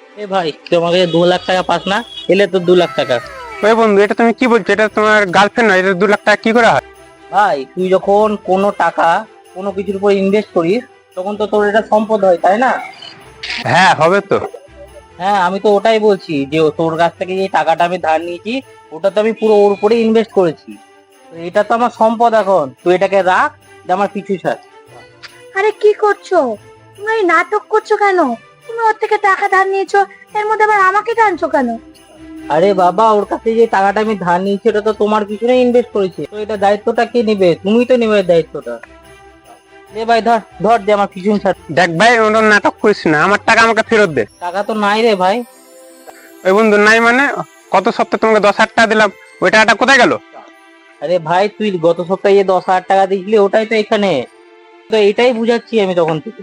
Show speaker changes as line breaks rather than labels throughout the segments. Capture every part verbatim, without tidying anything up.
এ ভাই, তুই আমাকে দু লাখ টাকা পাস না? এলে তো দু লাখ টাকা।
ওই বন্ধু, এটা তুমি কি বলছো? এটা তোমার গার্লফ্রেন্ড নয়, এটা দু লাখ টাকা কি করে হয়?
ভাই, তুই যখন কোনো টাকা কোনো কিছুর উপর ইনভেস্ট করিস, তখন তো তোর এটা সম্পদ হয়, তাই না?
হ্যাঁ, হবে তো।
হ্যাঁ, আমি তো ওটাই বলছি যে ও তোর কাছ থেকে যে টাকাটা আমি ধার নিয়েছি, ওটা তো আমি পুরো ওর উপরে ইনভেস্ট করেছি। তো এটা তো আমার সম্পদ, এখন তুই এটাকে রাখ, যে আমার পিছু ছাড়।
আরে কি করছো? তুমি এই নাটক করছো কেন? তুমি ওর থেকে টাকা ধার নিয়েছো, এর মধ্যে আবার আমাকে টানছো কেন?
আরে বাবা, ওর কাছে যে টাকাটা আমি ধার নিয়েছি ওটা তো তোমার পিছনে ইনভেস্ট করেছি, তো এটা দায়িত্বটা কে নিবে? তুমি তো নিবে দায়িত্বটা। দে ভাই, ধর ধর, যে আমার পিছন ছাড়।
দেখ ভাই, ওটা নাটক করিস না, আমার টাকা আমাকে ফেরত দে।
টাকা তো নাই রে ভাই।
ওই বন্ধু, নাই মানে? কত সপ্তাহে তোমাকে দশ হাজার টাকা দিলাম, ওই টাকাটা কোথায় গেল?
আরে ভাই, তুই গত সপ্তাহে যে দশ হাজার টাকা দিয়েছিলি ওটাই তো এখানে। তো এটাই বুঝাচ্ছি আমি তখন থেকে।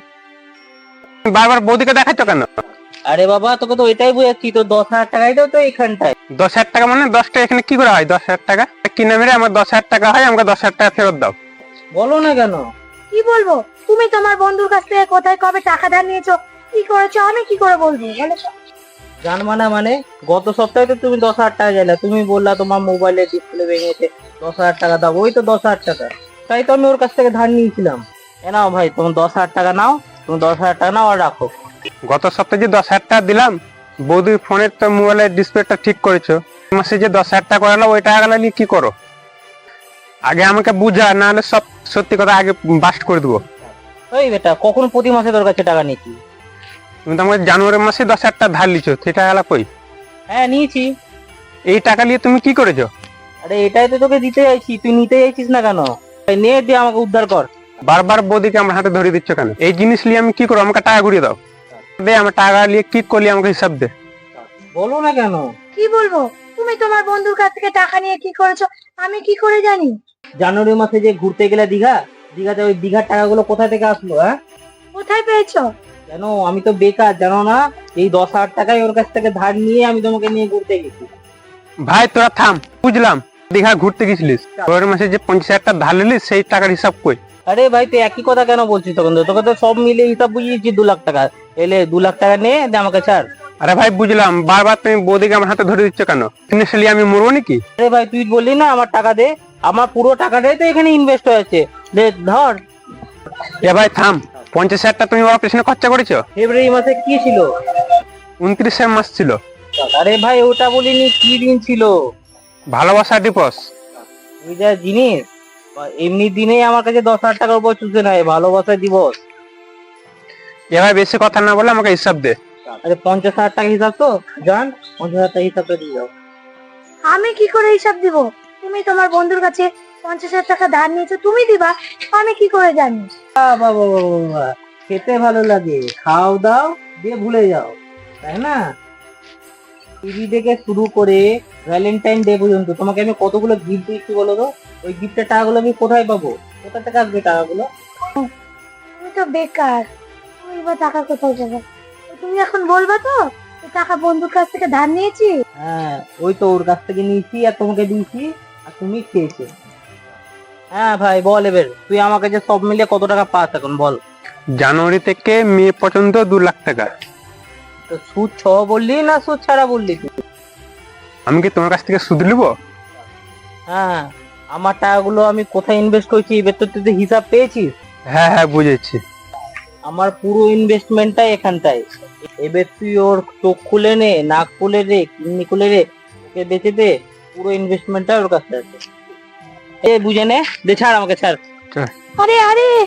বারবার বৌদিকে দেখাচ্ছ কেন?
আরে বাবা, তোকে তো এটাই বুঝাচ্ছি, তো দশ হাজার টাকাই তো তো এখানটায়।
দশ হাজার টাকা মানে দশটা এখানে কি করে হয়? দশ হাজার টাকা কি নামে রে? আমার দশ হাজার টাকা হয়, আমাকে দশ হাজার টাকা ফেরত দাও।
বলো না কেন?
কি বলবো? তুমি তোমার বন্ধুর কাছ থেকে কোথায় কবে টাকা ধার নিয়েছো, কি করেছো, আমি কি করে বলবো বলো তো?
জানবা না মানে? গত সপ্তাহে তো তুমি দশ হাজার টাকা চাইলে, তুমি বললা তোমার মোবাইলের ডিসপ্লে ভেঙেছে, দশ হাজার টাকা দাও। ওই তো দশ হাজার টাকা, তাই তো আমি ওর কাছ থেকে ধার নিয়েছিলাম। এ নাও ভাই, তুমি দশ হাজার টাকা নাও, তুমি দশ হাজার টাকা নাও আর রাখো।
গত সপ্তাহে যে দশ হাজার টাকা দিলাম, বৌদির ফোনের তো মোবাইলের ডিসপ্লেটা ঠিক করেছো, মাসে যে দশ হাজার টাকা করালো, ওই টাকাগুলো নিয়ে কি করো? আগে আমাকে বুঝা, না হলে সব সত্যি কথা আগে বাস্ট করে দেবো।
ওই বেটা, কখন প্রতি মাসে তোর কাছে টাকা নিয়েছি?
তুমি তো আমাকে জানুয়ারি মাসে দশ হাজার টাকা ধার লিছো, সেই টাকাগুলো কই?
হ্যাঁ, নিয়েছি।
এই টাকা নিয়ে তুমি কি করেছো?
আরে এটাই তো তোকে দিতে চাইছি, তুই নিতে চাইছিস না কেন? এই নে, দিয়ে আমাকে উদ্ধার কর।
বারবার বৌদিকে আমার হাতে ধরে দিচ্ছ কেন? এই জিনিস নিয়ে আমি কি করবো? আমাকে টাকা ঘুরিয়ে দাও। দে, আমার টাকা নিয়ে কি করলি আমাকে হিসাব দে।
বলো না কেন?
কি বলবো? তুমি তোমার বন্ধুর কাছ থেকে টাকা নিয়ে কি করেছো, আমি কি করে জানি?
জানুয়ারি মাসে যে ঘুরতে গেলে দীঘা, দীঘাতে ওই দীঘার টাকাগুলো কোথা থেকে আসলো? হ্যাঁ,
কোথায় পেয়েছো?
কেন? আমি তো বেকার, জানো না? এই দশ হাজার টাকায় ওর কাছ থেকে ধার নিয়ে আমি তোমাকে নিয়ে ঘুরতে গেছি।
ভাই তোরা থাম, বুঝলাম দীঘা ঘুরতে গেছিলিস, জানুয়ারি মাসে যে পঞ্চাশ হাজার টাকা ধার নিলিস, সেই টাকার হিসাব কই?
আরে ভাই, তুই একই কথা কেন বলছিস? তখন তো তোকে তো সব মিলে হিসাব বুঝিয়েছি দু লাখ টাকা। এলে দু লাখ টাকা নে, দে আমাকে ছাড়।
আরে ভাই বুঝলাম, বারবার তুমি বৌদিকে আমার হাতে ধরে দিচ্ছ কেন? ইনিশিয়ালি আমি মরবো নাকি?
আরে ভাই, তুই বললি না আমার টাকা দে, আমার পুরো টাকাটাই তো এখানে ইনভেস্ট হয়েছে। দে, ধর।
এ ভাই থাম, পঞ্চাশ হাজার টাকা তুমি ওর পেছনে খরচা করেছো?
ফেব্রুয়ারি মাসে কি ছিল?
উনত্রিশের মাস ছিল।
আরে ভাই, ওটা বলিনি, কি দিন ছিল?
ভালোবাসা দিবস।
ওই যা জিনিস, এমনি দিনেই আমার কাছে দশ হাজার টাকার উপর চুষে নেয়, ভালোবাসা দিবস।
এ ভাই বেশি কথা না বলে আমাকে হিসাব দে।
আরে পঞ্চাশ হাজার টাকা হিসাব তো, জান, পঞ্চাশ হাজার টাকা হিসাবটা দিয়ে যাও।
আমি কি করে হিসাব দিব? তুমি তোমার বন্ধুর কাছে পঞ্চাশ হাজার টাকা ধার নিয়েছো, তুমি দিবা, আমি কি করে জানি?
বাবা বাবা বাবা, খেতে ভালো লাগে, খাও দাও দিয়ে ভুলে যাও, তাই না? টিভি থেকে শুরু করে ভ্যালেন্টাইন ডে পর্যন্ত তোমাকে আমি কতগুলো গিফট দিচ্ছি বলো তো? ওই গিফটের টাকাগুলো আমি কোথায় পাবো? কোথা থেকে আসবে টাকাগুলো?
তুমি তো বেকার, তুমি বা টাকা কোথায় যাবে? তুমি এখন বলবা তো যে টাকা বন্ধুর কাছ থেকে ধার নিয়েছি?
হ্যাঁ, ওই তো ওর কাছ থেকে নিয়েছি আর তোমাকে দিয়েছি, আর তুমি খেয়েছো। হ্যাঁ ভাই, বল এবার তুই আমাকে যে সব মিলিয়ে কত টাকা পাস এখন, বল।
জানুয়ারি থেকে মে পর্যন্ত দু লাখ টাকা।
তো সুদ ছ বললি না সুদ ছাড়া বললি তুই?
আমি কি তোমার কাছ থেকে সুদ নিবো?
হ্যাঁ, আমার টাকাগুলো আমি কোথায় ইনভেস্ট করছি এবার তো তুই তো হিসাব পেয়েছিস।
হ্যাঁ হ্যাঁ বুঝেছি।
আমার পুরো ইনভেস্টমেন্টটাই এখানটায়। এবার তুই ওর চোখ খুলে নে, নাক খুলে রে, কিডনি খুলে রে, ওকে বেঁচে দে, পুরো ইনভেস্টমেন্টটা ওর কাছে আছে। এ বুঝে নে, দে, ছাড় আমাকে, ছাড়।
আরে আরে